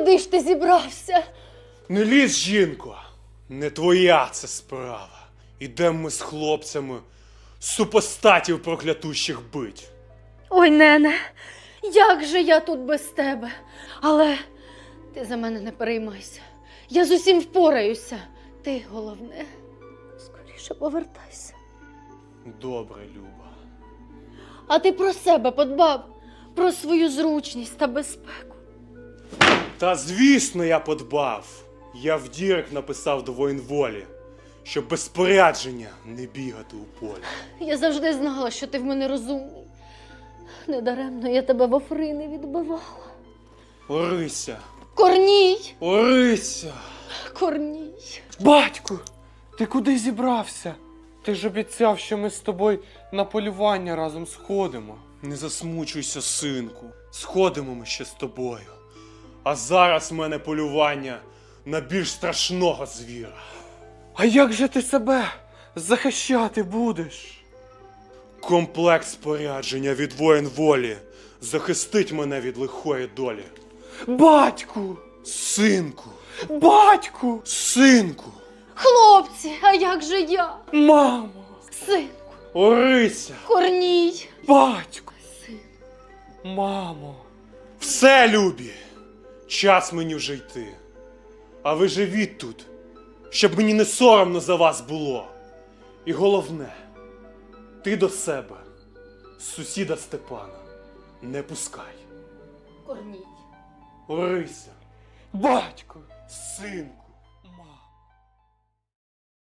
куди ж ти зібрався? Не лізь, жінко, не твоя це справа. Ідем ми з хлопцями супостатів проклятущих бить. Ой, нене, як же я тут без тебе? Але ти за мене не переймайся. Я з усім впораюся. Ти, головне, скоріше повертайся. Добре, Люба. А ти про себе подбав, про свою зручність та безпеку. Та звісно, я подбав. Я в дірек написав до воєнволі, щоб без спорядження не бігати у полі. Я завжди знала, що ти в мене розумний. Недаремно я тебе в Офрини відбивала. Орися! Корній! Орися! Корній! Батьку, ти куди зібрався? Ти ж обіцяв, що ми з тобою на полювання разом сходимо. Не засмучуйся, синку. Сходимо ми ще з тобою. А зараз в мене полювання на більш страшного звіра. А як же ти себе захищати будеш? Комплект спорядження від воєнволі захистить мене від лихої долі. Батьку! Синку! Батьку! Синку! Хлопці, а як же я? Мамо! Синку! Орися! Корній! Батьку! Син. Мамо! Все, любі! Час мені вже йти. А ви живіть тут, щоб мені не соромно за вас було. І головне, ти до себе, сусіда Степана, не пускай. Корній! Орися! Батьку! Синку!